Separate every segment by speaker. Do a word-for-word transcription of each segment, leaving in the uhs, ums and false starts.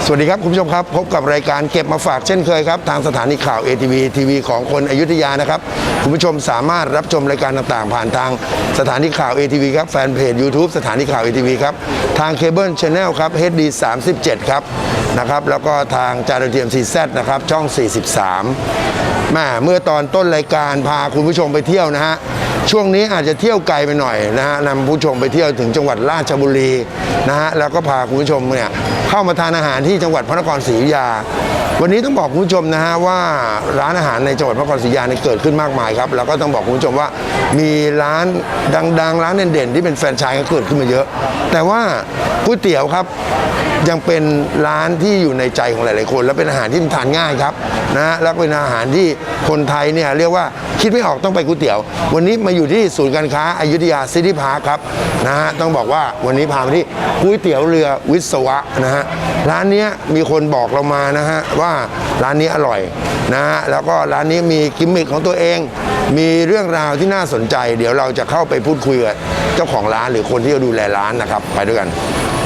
Speaker 1: สวัสดีครับคุณผู้ชมครับพบกับรายการเก็บมาฝากเช่นเคยครับทางสถานีข่าว เอ ที วี ที วี ของคนอยุธยานะครับคุณผู้ชมสามารถรับชมรายการต่างๆผ่านทางสถานีข่าว เอ ที วี ครับแฟนเพจ YouTube สถานีข่าว เอ ที วี ครับทางเคเบิล Channel ครับ เอช ดี สามสิบเจ็ด ครับนะครับแล้วก็ทางจานดาวเทียม ซี แซด นะครับช่องสี่สิบสามแม่เมื่อตอนต้นรายการพาคุณผู้ชมไปเที่ยวนะฮะช่วงนี้อาจจะเที่ยวไกลไปหน่อยนะฮะนำผู้ชมไปเที่ยวถึงจังหวัดราชบุรีนะฮะแล้วก็พาคุณผู้ชมเนี่ยเข้ามาทานอาหารที่จังหวัดพระนครศรีอยุธยาวันนี้ต้องบอกคุณผู้ชมนะฮะว่าร้านอาหารในจังหวัดพระนครศรีอยุธยาเนี่ยเกิดขึ้นมากมายครับแล้วก็ต้องบอกคุณผู้ชมว่ามีร้านดังๆร้านเด่นๆที่เป็นแฟรนไชส์ก็เกิดขึ้นมาเยอะแต่ว่าก๋วยเตี๋ยวครับยังเป็นร้านที่อยู่ในใจของหลายๆคนและเป็นอาหารที่ทานง่ายครับนะฮะแล้วเป็นอาหารที่คนไทยเนี่ยเรียกว่าคิดไม่ออกต้องไปก๋วยเตี๋ยววันนี้มาอยู่ที่ศูนย์การค้าอยุธยาซิตี้พาร์คครับนะฮะต้องบอกว่าวันนี้พาไปที่ก๋วยเตี๋ยวเรือวิศวะนะฮะร้านนี้มีคนบอกเรามานะฮะว่าร้านนี้อร่อยนะฮะแล้วก็ร้านนี้มีกิมมิคของตัวเองมีเรื่องราวที่น่าสนใจเดี๋ยวเราจะเข้าไปพูดคุยกับเจ้าของร้านหรือคนที่ดูแลร้านนะครับไปด้วยกัน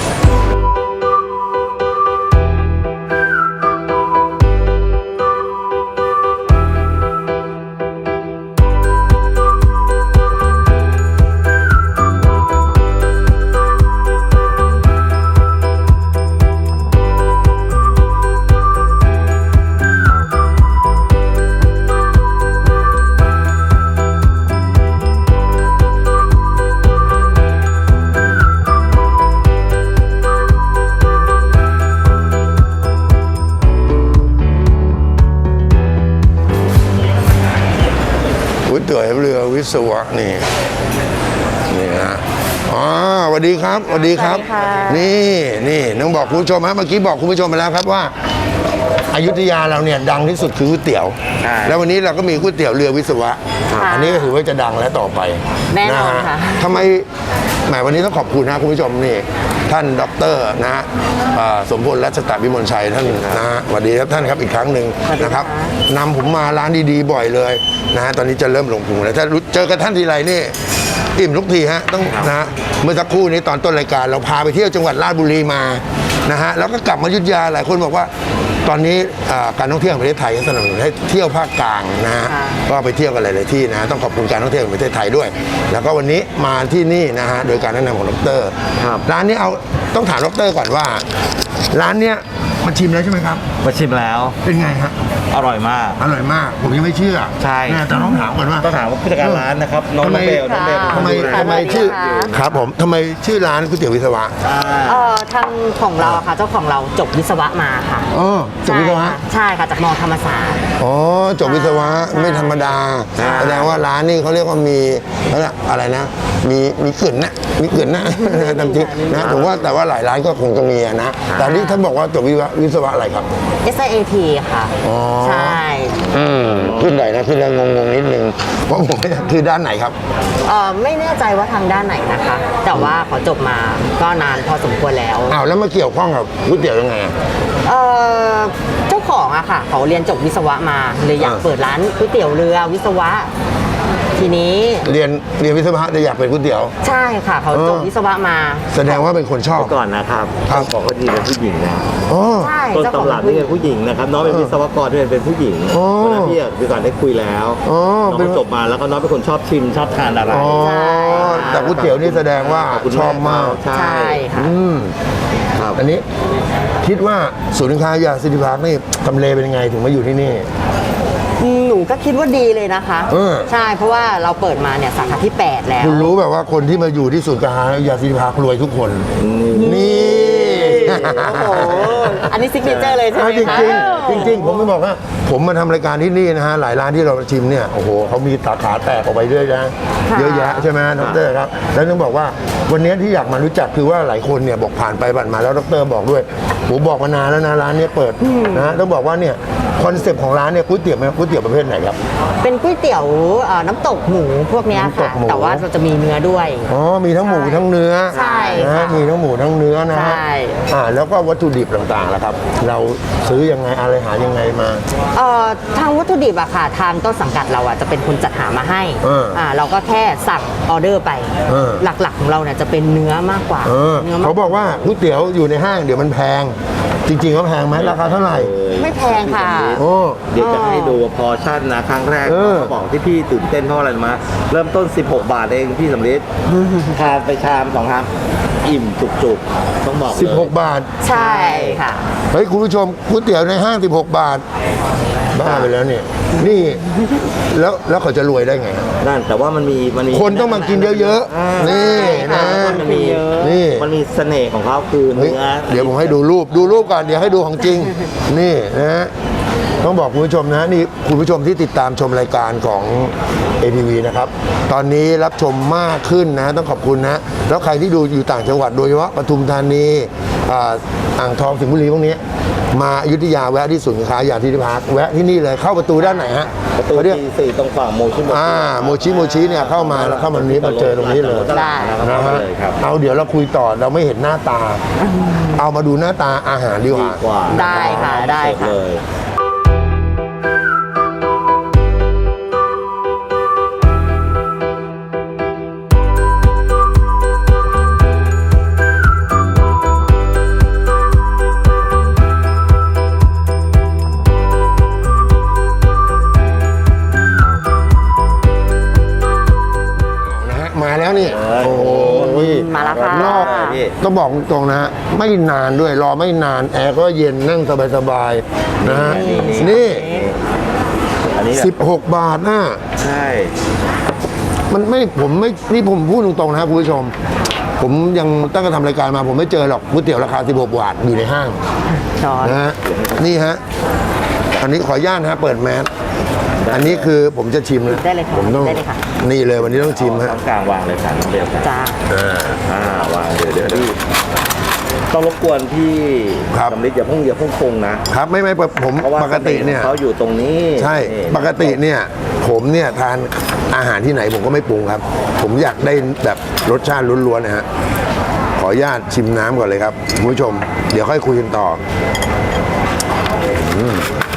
Speaker 1: ก๋วยเตี๋ยวเรือวิศวะนี่นี่ฮะอ๋อสวัสดีครับสวัสดีครับนี่นี่น้องบอกคุณผู้ชมฮะเมื่อกี้บอกคุณผู้ชมไปแล้วครับว่าอยุธยาเราเนี่ยดังที่สุดคือก๋วยเตี๋ยวแล้ววันนี้เราก็มีก๋วยเตี๋ยวเรือวิศวะอันนี้ก็ถือว่าจะดังและต่อไป
Speaker 2: แน่นอนค่ะ
Speaker 1: ทำไมแหมวันนี้ต้องขอบคุณนะคุณผู้ชมนี่ท่านดร.นะฮะสมพลรัชตะวิมลชัยท่านนะฮะสวัสดีครับท่านครับอีกครั้งหนึ่งนะครับนำผมมาร้านดีๆบ่อยเลยนะฮะตอนนี้จะเริ่มลงพุงแล้วถ้าเจอกับท่านทีไรนี่อิ่มทุกทีฮะต้องนะฮะเมื่อสักครู่นี้ตอนต้นรายการเราพาไปเที่ยวจังหวัดราชบุรีมานะฮะแล้วก็กลับมาอยุธยาหลายคนบอกว่าตอนนี้การท่องเที่ยวของประเทศไทยก็สนับสนุนให้เที่ยวภาคกลางนะฮะก็ไปเที่ยวกันหลายๆที่นะต้องขอบคุณการท่องเที่ยวของประเทศไทยด้วยแล้วก็วันนี้มาที่นี่นะฮะโดยการแนะนำของดร.ร้านนี้เอาต้องถามดร.ก่อนว่าร้านเนี้ยมาชิมแล้วใช่ไหมครับ
Speaker 3: มาชิมแล้ว
Speaker 1: เป็นไงฮะ
Speaker 3: อร่อยมาก
Speaker 1: อร่อยมากผมยังไม่เชื่อ
Speaker 3: ใช่
Speaker 1: แต่ต้องถามก่อนว่า
Speaker 3: ต้องถามว่าผู้จัดการร้านนะครับน้องเบลน้องเบล
Speaker 1: ทำไมทำไมชื่อครับผมทำไมชื่อร้านก๋วยเตี๋ยววิศวะ
Speaker 2: เอ่อทางของเราค่ะเจ้าของเราจบวิศวะมาค่ะ
Speaker 1: อ๋อจบวิศวะ
Speaker 2: ใช่ค่ะจากมอธรรมศาสตร์
Speaker 1: อ๋อจบวิศวะไม่ธรรมดาแสดงว่าร้านนี้เขาเรียกว่ามีอะไรนะมีมีเกลื่อนนะมีเกลื่อนนะจริงนะผมว่าแต่ว่าหลายร้านก็คงจะมีนะแต่นี่ท่านบอกว่าจบวิศวะอะไรครับ
Speaker 2: เอส ไอ เอ ที ค่ะใช่
Speaker 1: อืมขึ้นไหนนะขึ้นแล้วงงๆนิดนึงเพราะผมคือด้านไหนครับ
Speaker 2: เออไม่แน่ใจว่าทางด้านไหนนะคะแต่ว่าเขาจบมาก็นานพอสมควรแล้ว
Speaker 1: อ้าวแล้วมาเกี่ยวข้องกับก๋วยเตี๋ยวยังไง
Speaker 2: เออเจ้าของอะค่ะเขาเรียนจบวิศวะมาเลยอยากเปิดร้านก๋วยเตี๋ยวเรือวิศวะทีนี้
Speaker 1: เรียนเรียนวิศวะจะอยากเป็นก๋วยเตี๋ยว
Speaker 2: ใช่ค่ะเขาจบวิศวะมา
Speaker 1: แสดงว่าเป็นคนชอบ
Speaker 3: ก่อนนะครับครับบอกเขาดีเป็นผู้หญิงนะต้นตำรับนี่เป็นผู้หญิงนะครับน้องเป็นวิศวกรที่เป็นผู้หญิงเพราะนั้นพี่พี่ก่อนได้คุยแล้วน้องจบมาแล้วก็น้องเป็นคนชอบชิมชอบทานอะไร
Speaker 1: แต่ก๋วยเตี๋ยวนี่แสดงว่าชอบมาก
Speaker 2: ใช่ค่ะ
Speaker 1: อันนี้คิดว่าศูนย์การค้ายาซิตี้พาร์คนี่ทำเลเป็นยังไงถึงมาอยู่ที่นี่
Speaker 2: หนูก็คิดว่าดีเลยนะคะใช่เพราะว่าเราเปิดมาเนี่ยสาขาที่แปดแล้ว
Speaker 1: คุณรู้แบบว่าคนที่มาอยู่ที่ศูนย์การค้ายาซิตี้พาร์ครวยทุกคนนี่
Speaker 2: โอ้โหอันนี้ซิกเนเจอร์เลยใช่ไหมคะ
Speaker 1: จริงจริงผมไม่บอกว่าผมมาทำรายการที่นี่นะฮะหลายร้านที่เราชิมเนี่ยโอ้โหเขามีสาขาแตกออกไปเรื่อยนะเยอะแยะใช่ไหมดร.ครับแล้วต้องบอกว่าวันนี้ที่อยากมารู้จักคือว่าหลายคนเนี่ยบอกผ่านไปผ่านมาแล้วดร.บอกด้วยผมบอกมานานแล้วนะร้านนี้เปิดนะต้องบอกว่าเนี่ยคอนเซ็ปต์ของร้านเนี่ยก๋วยเตี๋ยวก๋วยเตี๋ยวประเภทไหนครับ
Speaker 2: เป็นก๋วยเตี๋ยวน้ำตกหมูพวกนี้ค่ะแต่ว่าเราจะมีเนื้อด้วย
Speaker 1: อ๋อมีทั้งหมูทั้งเนื้อ
Speaker 2: ใช่
Speaker 1: นะมีทั้งหมูทั้งเนื้อนะฮะอ่าแล้วก็วัตถุดิบต่างๆล่ะครับเราซื้อยังไงอะไรหายังไงมา
Speaker 2: เอ่อทางวัตถุดิบอะค่ะทางต้นสังกัดเราอะจะเป็นคนจัดหามาให้อ่าเราก็แค่สั่งออเดอร์ไปหลักๆของเราเนี่ยจะเป็นเนื้อมากกว่า
Speaker 1: เขาบอกว่าก๋วยเตี๋ยวอยู่ในห้างเดี๋ยวมันแพงจริงๆก็แพงไหมราคาเท่าไหร่
Speaker 2: ไม่แพงค่ะ
Speaker 1: โอ้
Speaker 3: เดี๋ยวจะให้ดูพอชั่นนะครั้งแรก
Speaker 1: เออ
Speaker 3: เขาบอกที่พี่ตื่นเต้นเพราะอะไรรู้ไหมาเริ่มต้น สิบหก บาทเองพี่สำลิดทานไปชามสองชามอิ่มจุกๆต้องบอกเลย
Speaker 1: สิบหกบาท
Speaker 2: ใช่ค่ะ
Speaker 1: เฮ้ยคุณผู้ชมก๋วยเตี๋ยวในห้างสิบหกบาทบ้าไปแล้วเนี่ยนี่แล้วแล้วเขาจะรวยได้ไง
Speaker 3: นั่นแต่ว่ามันมีมันมี
Speaker 1: คนต้องมากินเยอะ
Speaker 3: า
Speaker 1: ๆนี่นะ
Speaker 3: มันมี
Speaker 1: นี่
Speaker 3: มันมีเสน่ห์ของเขาคือ
Speaker 1: เฮ้ย
Speaker 3: เนื้อ
Speaker 1: เดี๋ยวผมให้ดูรูปดูรูปก่อนเดี๋ยวให้ดูของจริง นี่นะฮะต้องบอกคุณผู้ชมนะนี่คุณผู้ชมที่ติดตามชมรายการของ เอ ที วี นะครับตอนนี้รับชมมากขึ้นนะต้องขอบคุณนะแล้วใครที่ดูอยู่ต่างจังหวัดโดยเฉพาะปทุมธานีอ่าอ่างทองสิงห์บุรีพวกนี้มาอยุธยาแวะที่ศูนย์การค้ายาธิพาร์คแวะที่นี่เลยเข้าประตูด้านไหนฮะ
Speaker 3: ประตู
Speaker 1: เขาเรียก
Speaker 3: ทีสี่ตรงฝั่งโมชิโมชิ
Speaker 1: อ่าโมชิโมชิเนี่ยเข้ามาแล้วเข้ามานี้มาเจอตรงนี้เลย
Speaker 3: ได้
Speaker 1: นะ
Speaker 3: นะ
Speaker 1: ฮะ
Speaker 3: เลยครับ
Speaker 1: เอาเดี๋ยวเราคุยต่อเราไม่เห็นหน้าตา เอามาดูหน้าตาอาหารดีก
Speaker 3: ดี
Speaker 1: ว่า
Speaker 3: กว่า
Speaker 2: ได้ค่ะได้ค่ะ
Speaker 3: เลย
Speaker 1: นะฮะมาแล้วนี่
Speaker 3: เออ
Speaker 1: โอ้โห
Speaker 2: มาแล้วค่ะ
Speaker 1: นอกต้องบอกตรงๆนะฮะไม่นานด้วยรอไม่นานแอร์ก็เย็นนั่งสบายๆนะฮะนี่
Speaker 3: อันนี้แบบ
Speaker 1: สิบหกบาทนะ
Speaker 3: ใช่
Speaker 1: มันไม่ผมไม่นี่ผมพูดตรงๆนะครับคุณผู้ชม ผมยังตั้งแต่ทำรายการมาผมไม่เจอหรอกก๋วยเตี๋ยวราคาสิบหกบาทอยู่ในห้าง
Speaker 2: ช้อน
Speaker 1: นะฮะนี่ฮะอันนี้ขออนุญาตนะฮะเปิดแมสอันนี้คือผมจะชิมนะ
Speaker 2: ได้เลยค่ะ
Speaker 1: ผมต้อง
Speaker 2: ได้เลยค่ะ
Speaker 1: นี่เลยวันนี้ต้องชิมฮะ
Speaker 3: ตรงกลางวางเลยค่ะน้องเบลครับ
Speaker 2: จ้า
Speaker 1: อ่า
Speaker 3: อ่าวางเดี๋ยวเดี๋ยวพี่ต้องรบกวนพี่
Speaker 1: ครับ
Speaker 3: สำลิดอย่าเพุ่งอย่าเพุ่งปรุงนะครับ
Speaker 1: ไม่ไม่ผม
Speaker 3: เพราะว่า
Speaker 1: ปกติเนี่ย
Speaker 3: เขาอยู่ตรงนี้
Speaker 1: ใช่
Speaker 3: นี่
Speaker 1: ปกติเนี่ยผมเนี่ยทานอาหารที่ไหนผมก็ไม่ปรุงครับ ผมอยากได้แบบรสชาติล้วนๆนะฮะขออนุญาตชิมน้ำก่อนเลยครับคุณผู้ชม เดี๋ยวค่อยคุยกันต่ออืม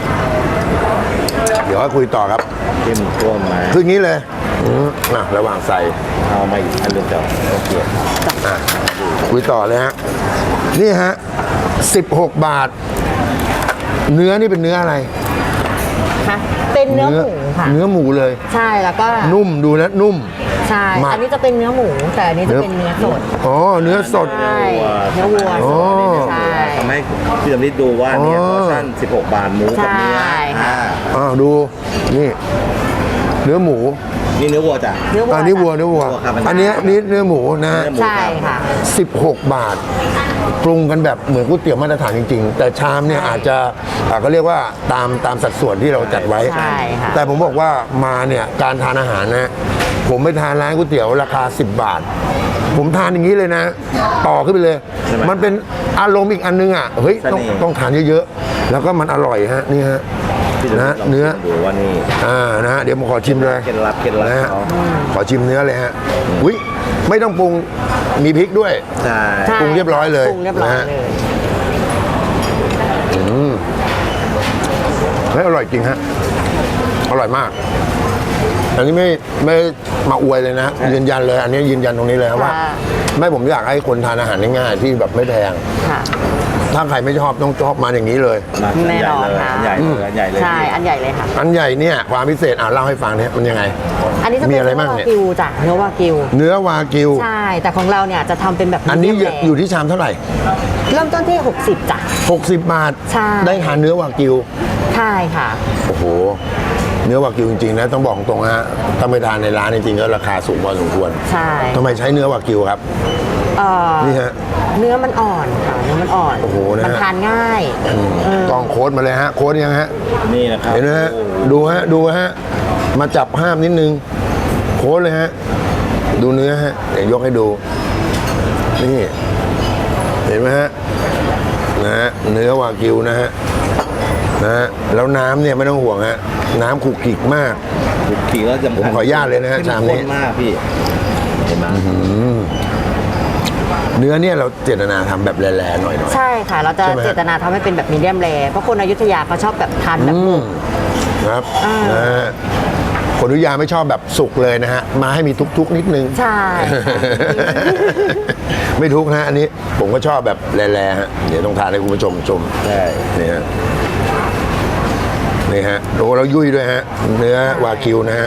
Speaker 1: เดี๋ยวค่อยคุยต่อครับ
Speaker 3: เข้มข้นไหม
Speaker 1: คืออย่างนี้เลยอืมอ่ะระหว่างใส่
Speaker 3: เอามาอีกอันหนึงเดี๋ยวโอเค
Speaker 1: อ่ะคุยต่อเลยฮะนี่ฮะสิบหกบาท เนื้อนี่เป็นเนื้ออะไร
Speaker 2: ค่ะเป็นเนื้อหมูค่ะ
Speaker 1: เนื้อหมูเลย
Speaker 2: ใช่แล้วก็
Speaker 1: นุ่มดูนะนุ่ม
Speaker 2: ใช่
Speaker 1: หมัก
Speaker 2: อันนี้จะเป็นเนื้อหมู แต่อันนี้จะเป็นเนื้อสด
Speaker 1: อ๋อเนื้อสด
Speaker 2: ใช่เนื้อวัว
Speaker 1: อ๋อ
Speaker 2: ใช่
Speaker 3: ทำให้พี่สำลิดดูว่าเนี่ย
Speaker 1: อ๋อ
Speaker 3: พอร์ชั่นสิบหกบาทหมูกับเนื้อ
Speaker 2: ใช่ค่ะ
Speaker 3: อ่า
Speaker 1: อ้าวดูนี่ เนื้อหมู
Speaker 3: นี่เนื้อวัวจ้ะ
Speaker 2: เนื้อวัว
Speaker 1: อันนี้วัวเนื้อวัว
Speaker 3: วัวครับ
Speaker 1: อันเนี้ยนี่เนื้อหมูนะ
Speaker 3: เนื้อหมู
Speaker 2: ใช่ค่ะ
Speaker 1: สิบหกบาท ปรุงกันแบบเหมือนก๋วยเตี๋ยวมาตรฐานจริง ๆ แต่ชามเนี่ยอาจจะอ่าก็เรียกว่าตามตามสัดส่วนที่เราจัดไว้
Speaker 2: ใช่ค่ะ
Speaker 1: แต่ผมบอกว่ามาเนี่ยการทานอาหารนะ ผมไปทานร้านก๋วยเตี๋ยวราคาสิบบาท ผมทานอย่างนี้เลยนะ ต่อขึ้นไปเลย
Speaker 3: ใช่ไหม
Speaker 1: มันเป็นอารมณ์อีกอันนึงอ่ะเฮ้ยต้อง
Speaker 3: เสน่ห์
Speaker 1: ต้องทานเยอะๆแล้วก็มันอร่อยฮะนี่ฮะ
Speaker 3: พี่สำลิด
Speaker 1: นะ
Speaker 3: ลอง
Speaker 1: เนื้อ
Speaker 3: ดูว่านี่
Speaker 1: อ่านะฮะเดี๋ยวผมขอชิมเลย
Speaker 3: เคล็ดลับเคล็ดลับ
Speaker 1: นะฮะ
Speaker 3: เขา
Speaker 1: ขอชิมเนื้อเลยฮะอุ้ยไม่ต้องปรุงมีพริกด้วย
Speaker 3: ใช่
Speaker 2: ใช่
Speaker 1: ปรุงเรียบร้อยเลย
Speaker 2: ปรุงเรียบร้อย
Speaker 1: นะฮะ
Speaker 2: เลย
Speaker 1: เฮ้ยอร่อยจริงฮะอร่อยมาก อันนี้ไม่ไม่มาอวยเลยนะยืนยันเลย อันนี้ยืนยันตรงนี้เลยครับว่า
Speaker 2: ค่ะ
Speaker 1: ไม่ผมอยากให้คนทานอาหารง่ายๆที่แบบไม่แพง
Speaker 2: ค่ะ
Speaker 1: ถ้าใครไม่ชอบต้องชอบมาอย่างนี้เลย
Speaker 3: มา
Speaker 2: แน่นอน
Speaker 3: อันใหญ่เลยอันใหญ่เลย
Speaker 2: ใช่ อันใหญ่เลยค่ะ
Speaker 1: อันใหญ่เนี่ยความพิเศษอ่าเล่าให้ฟังเนี่ยมันยังไง
Speaker 2: อันนี้จะ
Speaker 1: มี
Speaker 2: เป็น
Speaker 1: อะไร
Speaker 2: เนื้อ
Speaker 1: บ้าง
Speaker 2: วา
Speaker 1: เนี่ย
Speaker 2: กิวจ้ะเนื้อวากิว
Speaker 1: เนื้อวากิว
Speaker 2: ใช่ แต่ของเราเนี่ยจะทำเป็นแบบ
Speaker 1: อันนี้
Speaker 2: medium rare
Speaker 1: อยู่ที่ชามเท่าไหร่
Speaker 2: เริ่มต้นที่ หกสิบจ้ะ
Speaker 1: หกสิบบาท
Speaker 2: ใช่
Speaker 1: ได้ทานเนื้อวากิว
Speaker 2: ใช่ค่ะ
Speaker 1: โอ้โห เนื้อวากิวจริงๆนะต้องบอกตรงๆฮะถ้าไปทานในร้านจริงๆก็ราคาสูงพอสมควร
Speaker 2: ใช่
Speaker 1: ทำไมใช้เนื้อวากิวครับ
Speaker 2: เอ่อ
Speaker 1: นี่ฮะ
Speaker 2: เนื้อมันอ่อนค่ะ เนื้อมันอ่อน
Speaker 1: โอ้โหนะฮะ
Speaker 2: มันทานง่ายเออ
Speaker 1: ต้องโค้ดมาเลยฮะ โค้ดยังฮะ
Speaker 3: นี่นะครับ
Speaker 1: เห็นไหมฮะ
Speaker 3: โอ้โห
Speaker 1: ดูฮะ ดูฮะ มาจับห้ามนิดนึง โค้ดเลยฮะ ดูเนื้อฮะ เดี๋ยวยกให้ดู นี่ เห็นไหมฮะ นะฮะ เนื้อวากิวนะฮะ นะฮะ แล้วน้ำเนี่ยไม่ต้องห่วงฮะ น้ำขลุกขลิกมาก
Speaker 3: ขี่แล้วสำคัญ
Speaker 1: ผมขออนุญาตเลยนะฮะ
Speaker 3: เข้
Speaker 1: ชามนี้
Speaker 3: ข้นมากพี่เห็นไหม
Speaker 1: เนื้อเนี่ยเราเจตนาทำแบบแร่ๆหน่อยๆ
Speaker 2: ใช่ค่ะ เราจะ
Speaker 1: ใช่ไหมฮะ
Speaker 2: เจตนาทำให้เป็นแบบมีเดียมแรเพราะคนอยุธยาเขาชอบแบบทานแบบ
Speaker 1: อื
Speaker 2: หมู
Speaker 1: มครับ
Speaker 2: อ่าน
Speaker 1: นะฮะคนอยุธยาไม่ชอบแบบสุกเลยนะฮะมาให้มีทุกๆนิดนึง
Speaker 2: ใช่
Speaker 1: ไม่ทุกนะฮะอันนี้ผมก็ชอบแบบแร่ๆฮะเดี๋ยวต้องทานให้คุณผู้ชมชม
Speaker 3: ใช่
Speaker 1: นี่ฮะนี่ฮะโอ้แล้วยุ่ยด้วยฮะเนื้อวากิวนะฮะ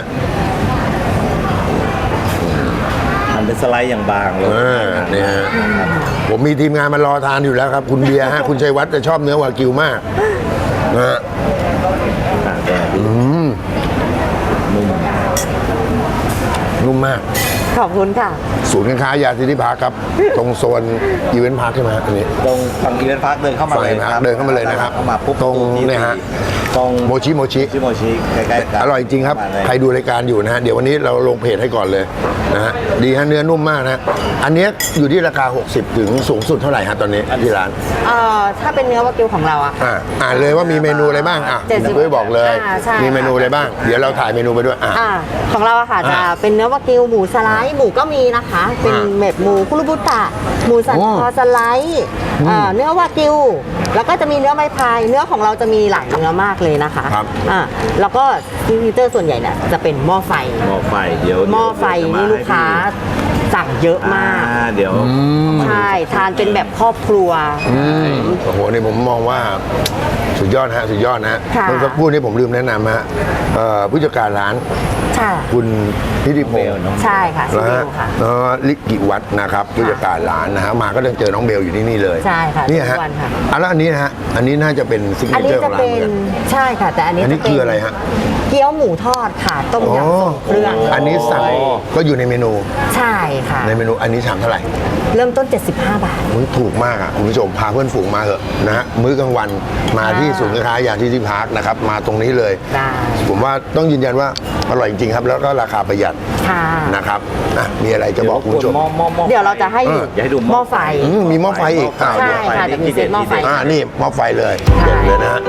Speaker 3: มันเป็นสไลด์อย่างบางเลย
Speaker 1: อ่านี่ฮะผมมีทีมงานมารอทานอยู่แล้วครับ คุณเบียร์ฮะ คุณชัยวัฒน์จะชอบเนื้อวากิวมากนะฮะ
Speaker 3: ต่างกันพี่
Speaker 1: อืม
Speaker 3: นุ่ม
Speaker 1: นุ่มมาก
Speaker 2: ขอบคุณค่ะ
Speaker 1: ศูนย์การค้ายาซิตี้พาร์คครับ ตรงโซนอีเวนต์พาร์คใช่ไหมฮะอันนี้
Speaker 3: ตรงฝั่งอีเวนต์พาร์คเดินเข้ามาเลย
Speaker 1: ฝั่ง Event Park เดินเข้ามาเลยนะครับ
Speaker 3: เข้ามาปุ๊บ
Speaker 1: ตรง
Speaker 3: ที่
Speaker 1: เนี่ยฮะ
Speaker 3: ตรง
Speaker 1: โมชิโมชิ
Speaker 3: ชิโมชิใกล้ๆกัน
Speaker 1: อร่อยจริงครับ
Speaker 3: มาเลย
Speaker 1: ใครดูรายการอยู่นะฮะ เดี๋ยววันนี้เราลงเพจให้ก่อนเลยนะฮะ ดีฮะเนื้อนุ่มมากนะ อันเนี้ยอยู่ที่ราคา หกสิบ ถึงสูงสุดเท่าไหร่ฮะตอนนี้ที่ร้าน
Speaker 2: เอ่อถ้าเป็นเนื้อวากิวของเราอะ
Speaker 1: อ่าอ่านเลยว่ามีเมนูอะไรบ้าง อ่ะ
Speaker 2: เจ็ดสิบ
Speaker 1: ด้วยบอกเลย
Speaker 2: อ่าใช่
Speaker 1: มีเมนูอะไรบ้าง เดี๋ยวเราถ่ายเมนูไปด้วย อ่ะ
Speaker 2: อ่าของเราอะค่ะจะ
Speaker 1: อ่า
Speaker 2: เป็นเนื้อวากิวหมูสไลด์หมูก็มีนะคะ เป็น
Speaker 1: อ่า
Speaker 2: เม็ดหมูคุรุบุตะหมูสัน
Speaker 1: โอ้
Speaker 2: คอสไลด์อ่าเนื้อวากิวแล้วก็จะมีเนื้อไม้พายเนื้อของเราจะมีหลายเนื้อมากเลยนะคะ
Speaker 1: ครับ
Speaker 2: อ่าแล้วก็ซิกเนเจอร์ส่วนใหญ่เนี่ยจะเป็นหม้อไฟ
Speaker 3: หม้อไฟเดี๋ยว
Speaker 2: หม้อไฟนี่ลูกค้าสั่งเยอะ
Speaker 3: อ่าม
Speaker 2: าก
Speaker 3: เดี๋ยว
Speaker 2: ใช่ทานเป็นแบบครอบครัว
Speaker 1: อืมโอ้โหนี่ผมมองว่าสุดยอดฮะสุดยอดนะฮะ
Speaker 2: ค่ะ
Speaker 1: เมื่อสักครู่นี้ผมลืมแนะนำฮะเอ่อผู้จัดการร้าน
Speaker 2: ใช่
Speaker 1: คุณนิติพ
Speaker 3: เบ
Speaker 1: ง
Speaker 3: ล
Speaker 1: ศ์
Speaker 3: น้อง
Speaker 2: ใช่ค่ะซิ
Speaker 1: นะ
Speaker 2: เบ
Speaker 1: ฮะ
Speaker 2: ลค่ะ
Speaker 1: เอ่อลิกิวัฒน์นะครับผู้จัดการร้านนะฮะมาก็ต้องเจอน้องเบลอยู่ที่นี่เลย
Speaker 2: ใช่ค่ะ
Speaker 1: เนี่ยฮะ
Speaker 2: ทุกวันค่ะ
Speaker 1: อ่ะแล้วอันนี้นะฮะอันนี้น่าจะเป็นซิกเน
Speaker 2: อัน
Speaker 1: เจ
Speaker 2: นี้
Speaker 1: อร์ข
Speaker 2: จะ
Speaker 1: องร้าน
Speaker 2: เป็
Speaker 1: เหมือน
Speaker 2: น
Speaker 1: กัน
Speaker 2: ใช่ค่ะ แต่อันนี้
Speaker 1: อันนี้
Speaker 2: จะเป็น
Speaker 1: คืออะไรฮะ
Speaker 2: เกี๊ยวหมูทอดค่ะ ต้มยำทรงเครื่อง
Speaker 1: อันนี้สั่งก็อยู่ในเมนู
Speaker 2: ใช่ค่ะ
Speaker 1: ในเมนูอันนี้ชามเท่าไหร่
Speaker 2: เริ่มต้น เจ็ดสิบห้า บาท
Speaker 1: มึงถูกมากอ่ะคุณผู้ชมพาเพื่อนฝูงมาเถอะนะฮะมื้อกลางวันมาที่
Speaker 2: อ่า
Speaker 1: ศูนย์การค้ายาที่ที่พาร์คนะครับมาตรงนี้เลย
Speaker 2: ได้
Speaker 1: ผมว่าต้องยืนยันว่าอร่อยจริงๆครับ แล้วก็ราคาประหยัด
Speaker 2: ค่ะ
Speaker 1: นะครับอ่ะมีอะไรจะบอกคุณผู้ชม
Speaker 3: หม้อหม้อหม้อ
Speaker 2: เดี๋ยวเราจะให้
Speaker 1: เออ
Speaker 3: อย่าให้ดู
Speaker 2: หม้อไฟ
Speaker 1: อืมมีหม้อไฟอีกอ่า
Speaker 2: ใช่
Speaker 1: เดี๋ยว
Speaker 2: ค่ะจะมีเซตหม้อไฟ
Speaker 1: อ่านี่หม้อไฟเลย
Speaker 2: ใช่
Speaker 1: เด็ดเลยนะฮะ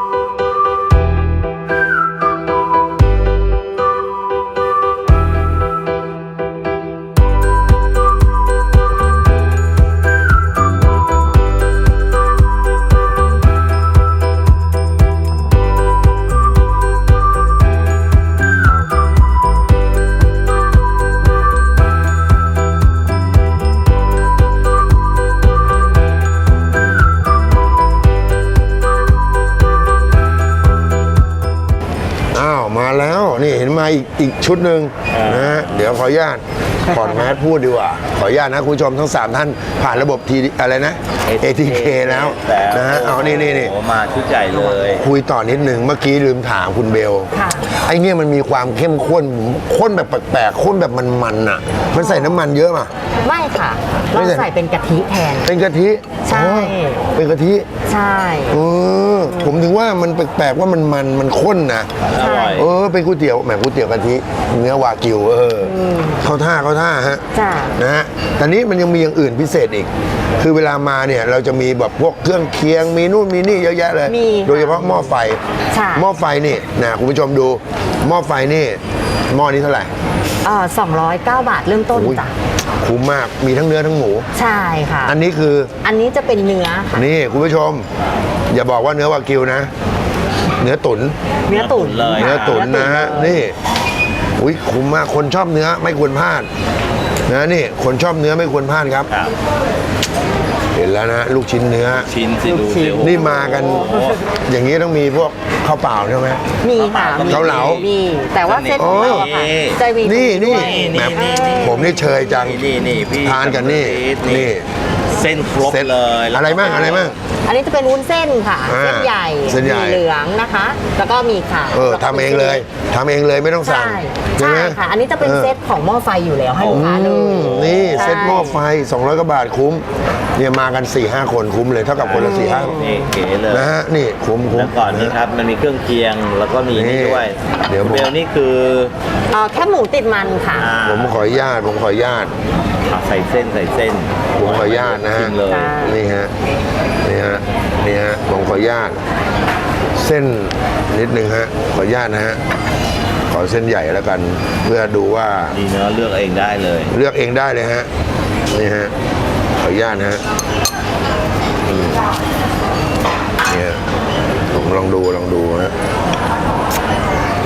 Speaker 1: อ้าวมาแล้วนี่เห็นมาอีกอีกชุดหนึ่งนะฮะเดี๋ยวขออนุญาตถอดแมสพูดดีกว่าขออนุญาตนะคุณผู้ชมทั้งสามท่านผ่านระบบทีอะไรนะ เอ ที เค แล้วนะฮะเอานี่นี่นี่
Speaker 3: โอ้มาชุดใหญ่เลย
Speaker 1: คุยต่อนิดหนึ่งเมื่อกี้ลืมถามคุณเบล
Speaker 2: ค่ะ
Speaker 1: ไอ้เนี่ยมันมีความเข้มข้นข้นแบบแปลกๆข้นแบบมันๆอ่ะ มันใส่น้ำมันเยอะป่ะ
Speaker 2: ไม่ค่ะ
Speaker 1: ไม่
Speaker 2: เรา
Speaker 1: ใส่
Speaker 2: ใส่เป็นกะทิแทน
Speaker 1: เป็นกะทิ
Speaker 2: ใช่
Speaker 1: อ๋อเป็นกะทิ
Speaker 2: ใช่
Speaker 1: เออผมถึงว่ามันแปลกๆว่ามันมันมันข้นนะ
Speaker 3: อร่อย
Speaker 1: เออเป็นก๋วยเตี๋ยวแหมก๋วยเตี๋ยวกะทิเนื้อวากิวเอออเข้าท่าเข้าท่าฮะ
Speaker 2: จ้า
Speaker 1: นะฮะแต่นี้มันยังมีอย่างอื่นพิเศษอีก คือเวลามาเนี่ยเราจะมีแบบพวกเครื่องเคียงมีนู่นมีนี่เยอะแยะเลย
Speaker 2: มี
Speaker 1: โดยเฉพาะหม้อไฟ
Speaker 2: ใช่
Speaker 1: หม้อไฟนี่นะคุณผู้ชมดูหม้อไฟนี่หม้อนี้เท่าไหร่
Speaker 2: เอ่อสองร้อยเก้าบาทเริ่มต้น
Speaker 1: อุ้ย
Speaker 2: จ้ะ
Speaker 1: คุ้มมากมีทั้งเนื้อทั้งหมู
Speaker 2: ใช่ค่ะ
Speaker 1: อันนี้คือ
Speaker 2: อันนี้จะเป็นเนื้อค่ะ
Speaker 1: นี่คุณผู้ชม อย่าบอกว่าเนื้อวากิวนะ เนื้อตุ๋น
Speaker 2: เนื้อตุ๋น
Speaker 3: เลย
Speaker 1: เนื้อตุ๋นนะฮะ
Speaker 2: เลย
Speaker 1: นี่อุ้ยคุ้มมากคนชอบเนื้อไม่ควรพลาดนะนี่คนชอบเนื้อไม่ควรพลาดครับ
Speaker 3: ครับ
Speaker 1: เห็นแล้วนะลูกชิ้นเนื้อ
Speaker 3: ชิ้นสิดู
Speaker 2: ลูกชิ้
Speaker 3: สิ
Speaker 2: น
Speaker 3: โอ้โห
Speaker 1: นี่มากันอย่างนี้ต้องมีพวกข้าวเปล่าใช่ไหม
Speaker 2: มีค่ะมี
Speaker 1: เกาเหลา
Speaker 2: มีแต่ว่าเส้นของเราอะค่ะ
Speaker 3: โอ้
Speaker 2: จะมี
Speaker 1: นี่นี่
Speaker 2: ด้วย
Speaker 1: แหม
Speaker 3: นี่นี่
Speaker 1: ผมนี่เชยจัง
Speaker 3: นี่นี่พี่
Speaker 1: ทานกันนี่นี่
Speaker 3: เส้นครบ
Speaker 1: เซ็ต
Speaker 3: เลยแล้ว
Speaker 1: อะไรบ้างอะไรบ้าง
Speaker 2: อันนี้จะเป็นวุ้นเส้นค่ะ
Speaker 1: อ่า
Speaker 2: เส้นใหญ่
Speaker 1: เส้นใหญ่
Speaker 2: มีเหลืองนะคะ แล้วก็มีขาว
Speaker 1: เออทำเองเลยทำเองเลยไม่ต้องสั่ง
Speaker 2: ใช่
Speaker 1: ใช่
Speaker 2: ใช่
Speaker 1: ไหม
Speaker 2: ค่ะ อันนี้จะเป็น
Speaker 1: ออ
Speaker 2: เซตของหม้อไฟอยู่แล้วให้ลูกค้าเล
Speaker 1: อื
Speaker 2: ย
Speaker 1: มนี่
Speaker 2: ใช่
Speaker 1: เซ็ตหม้อไฟสองร้อยกว่าบาทคุ้มเนี่ยมากันสี่ห้าคนคุ้มเลยเท่ากับคนละสี่ห้า
Speaker 3: นี่เก๋เลย
Speaker 1: นะฮะนี่คุ้มคุ้ม
Speaker 3: แล้วก่อนนี้ครับมันมีเครื่องเคียงแล้วก็มี
Speaker 1: นี่
Speaker 3: นี่ด้วย
Speaker 1: เดี๋ยวผม
Speaker 3: เบลนี่คือ
Speaker 2: เอ่อแค่หมูติดมันค่ะ
Speaker 3: อ่า
Speaker 1: ผมขออนุญาตผมขออนุญาต
Speaker 3: เอาใส่เส้นใส่เส้น
Speaker 1: ผมขออนุญาตนะฮะ
Speaker 3: ชิมเลย
Speaker 2: จ้า
Speaker 1: นี่ฮะนี่ฮะนี่ฮะผมขออนุญาต เส้นนิดนึงฮะขออนุญาตนะฮะขอเส้นใหญ่แล้วกัน เพื่อดูว่า
Speaker 3: ดีเนื้อะเลือกเองได้เลย
Speaker 1: เลือกเองได้เลยฮะนี่ฮะขออนุญาตนะฮะอืมเนี่ยผมลองดูลองดูฮะ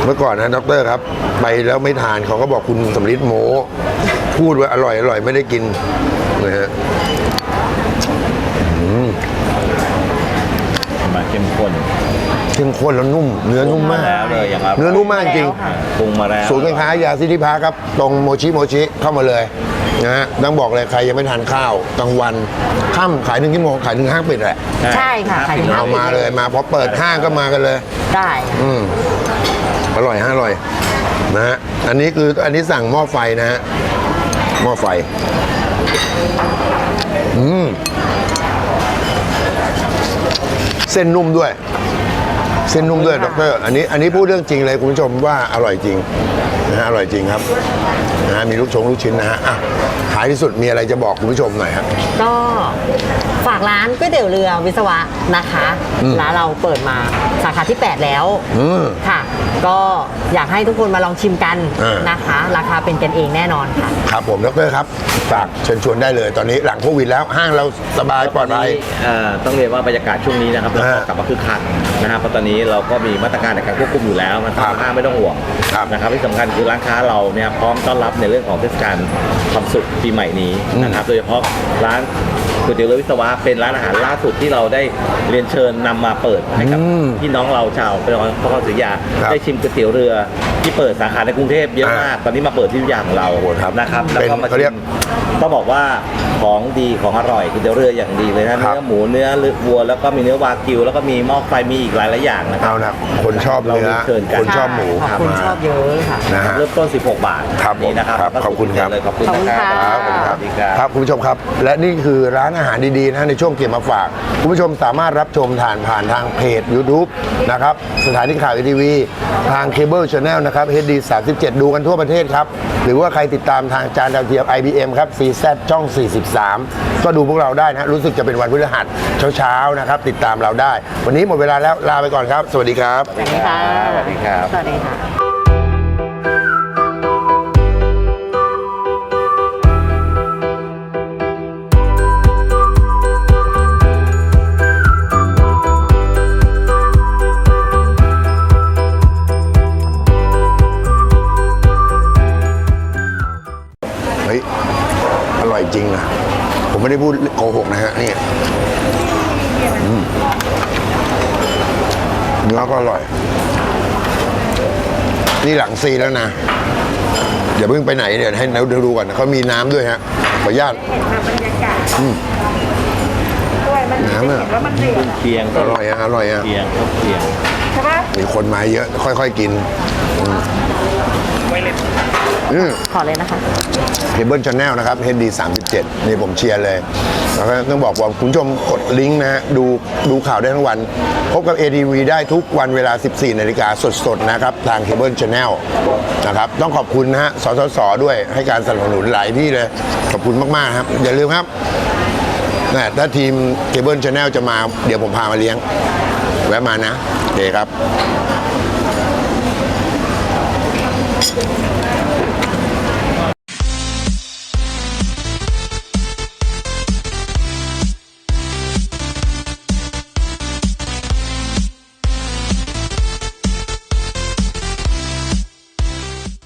Speaker 1: เมื่อก่อนนะดรครับ ไปแล้วไม่ทานเขาก็บอกคุณสำลิดโมพูดว่าอร่อยอร่อยไม่ได้กินนะฮะอืม
Speaker 3: มาเข้มข้น
Speaker 1: เข้มข้นแล้วนุ่ม เนื้อนุ่มมาก
Speaker 3: แล้วเลยอย่าง
Speaker 1: เนื้อนุ่มมากจริง
Speaker 3: ปรุงมาแล้ว
Speaker 1: ศูนย์การค้ายาซิติพาครับ ตรงโมชิโมชิเข้ามาเลยนะฮะต้องบอกเลยใครยังไม่ทานข้าวกลางวันค่ำขายหนึ่งชั่วโมงขายหนึ่งห้างปิดแหละ
Speaker 2: ใช่ค่ะขายถึงห้า
Speaker 1: เอามาเลยมาพอเปิดห้างก็มากันเลย
Speaker 2: ได้
Speaker 1: อืมอร่อยฮะอร่อยนะฮะอันนี้คืออันนี้สั่งหม้อไฟนะฮะหม้อไฟอืมเส้นนุ่มด้วย เส้นนุ่มด้วยดรอันนี้อันนี้พูดเรื่องจริงเลยคุณผู้ชมว่าอร่อยจริงนะฮะอร่อยจริงครับนะฮะมีลูกชงลูกชิ้นนะฮะอ่ะท้ายที่สุดมีอะไรจะบอกคุณผู้ชมหน่อยครับ
Speaker 2: ก็ฝากร้านก๋วยเตี๋ยวเรือวิศวะนะคะร้านเราเปิดมาสาขาที่ แปด แล้ว
Speaker 1: อืม
Speaker 2: ค่ะ ก็อยากให้ทุกคนมาลองชิมกัน
Speaker 1: อ่าน
Speaker 2: นะคะ ราคาเป็นกันเองแน่นอนค่ะ
Speaker 1: ครับผมดรครับฝากเชิญชวนได้เลย ตอนนี้หลังโควิดแล้วห้างเราสบายปลอดภัย
Speaker 3: เอ่อต้องเรียนว่าบรรยากาศช่วงนี้นะครับเรา
Speaker 1: อ่า
Speaker 3: ก็กลับมาคึกคักนะครับเพราะตอนนี้เราก็มีมาตรการในการควบคุมอยู่แล้วนะค
Speaker 1: ครั
Speaker 3: รับบ ห้างไม่ต้องห่วง
Speaker 1: ครับ
Speaker 3: นะครับที่สำคัญคือร้านค้าเราเนี่ยพร้อมต้อนรับในเรื่องของเทศกาลความสุขปีใหม่นี้นะครับโดยเฉพาะร้านก๋วยเตี๋ยวเรือวิศวะเป็นร้านอาหารล่าสุดที่เราได้เรียนเชิญนำมาเปิดให้กับ
Speaker 1: อืม
Speaker 3: พี่น้องเราชาวพระนครศรีอยุธยา
Speaker 1: ครับ
Speaker 3: ได้ชิมก๋วยเตี๋ยวเรือที่เปิดสาขาในกรุงเทพเยอะมาก ตอนนี้มาเปิดที่อยุธยาของเรา
Speaker 1: โอ้โหครับ
Speaker 3: นะครับแล้ว
Speaker 1: เป็น
Speaker 3: ก็มา
Speaker 1: เขาเรี
Speaker 3: ชิ
Speaker 1: ยก
Speaker 3: มต้องบอกว่าของดีของอร่อยก๋วยเตี๋ยวเรืออย่างดีเลยนะ
Speaker 1: ครับ
Speaker 3: เนื้อหมูเนื้อวัวแล้วก็มีเนื้อวากิว แล้วก็มีหม้อไฟมีอีกหลายหลายๆอย่างนะครั
Speaker 1: เอานะคนชอบเนื้อ
Speaker 3: เราเชิญกัน
Speaker 1: คนชอบหมู
Speaker 2: ขอบคุณ
Speaker 1: มา
Speaker 2: ชอบเยอะค่ะ
Speaker 1: นะฮะ
Speaker 3: เริ่มต้น สิบหก บาท
Speaker 1: ครับผม
Speaker 3: นี่นะครับ
Speaker 1: ครับ
Speaker 3: ก็
Speaker 1: ขอบคุณครับ
Speaker 3: เลยขอบคุณ
Speaker 2: ขอบคุณ
Speaker 3: นะค
Speaker 2: ค่ะ
Speaker 3: รับ
Speaker 1: ครับผมครับ
Speaker 3: สวัสดีครับ
Speaker 1: ครับคุณผู้ชมครับ และนี่คือร้านอาหารดีๆนะในช่วงเก็บมาฝาก คุณผู้ชมสามารถรับชมผ่านผ่านทางเพจ YouTube นะครับสถานีข่าวทีวีทางเคเบิลชาแนลนะครับ เอช ดี สามสิบเจ็ด ดูกันทั่วประเทศครับ หรือว่าใครติดตามทางจานดาวเทียม ไอ บี เอ็ม ครับ ซี แซด ช่อง สี่สิบสาม ก็ดูพวกเราได้นะรู้สึกจะเป็นวันพฤหัสเช้าๆนะครับติดตามเราได้ วันนี้หมดเวลาแล้วลาไปก่อนครับ สวัสดีครับ
Speaker 2: สวัสดีค่ะ
Speaker 3: สวัสดีครับ
Speaker 2: สวัสดีค่ะ
Speaker 1: เฮ้ย อร่อยจริงนะ ผมไม่ได้พูดโกหกนะฮะ นี่อืมเนื้อก็อร่อย นี่หลังซีแล้วนะ อย่าเพิ่งไปไหนเดี๋ยวให้เราดูก่อนนะเขามีน้ำด้วยฮะ ขออนุญาต
Speaker 4: เห็นแบบบรรยากาศ
Speaker 1: อืม
Speaker 4: ด้วยมันจะ
Speaker 1: น้ำอะ
Speaker 4: เห็นว่ามันเดือด
Speaker 3: เคียง
Speaker 1: อร่อยอะอร่อยอะ
Speaker 3: เคียงครับเคียง
Speaker 4: ใช่ปะ
Speaker 1: มีคนมาเยอะ ค่อยๆกิน อืม
Speaker 2: ขอเลยนะคะ
Speaker 1: เคเบิลชาแนลนะครับ เอช ดี สามสิบเจ็ด นี่ผมเชียร์เลย แล้วก็ต้องบอกว่าคุณผู้ชมกดลิงก์นะฮะ ดูดูข่าวได้ทั้งวัน พบกับ เอ ที วี ได้ทุกวันเวลา สิบสี่นาฬิกาสดๆนะครับ ทางเคเบิลชาแนลนะครับ ต้องขอบคุณนะฮะ สสส ด้วยให้การสนับสนุนหลายที่เลย ขอบคุณมากๆครับ อย่าลืมครับนะถ้าทีมเคเบิลชาแนลจะมา เดี๋ยวผมพามาเลี้ยง แวะมานะโอเคครับ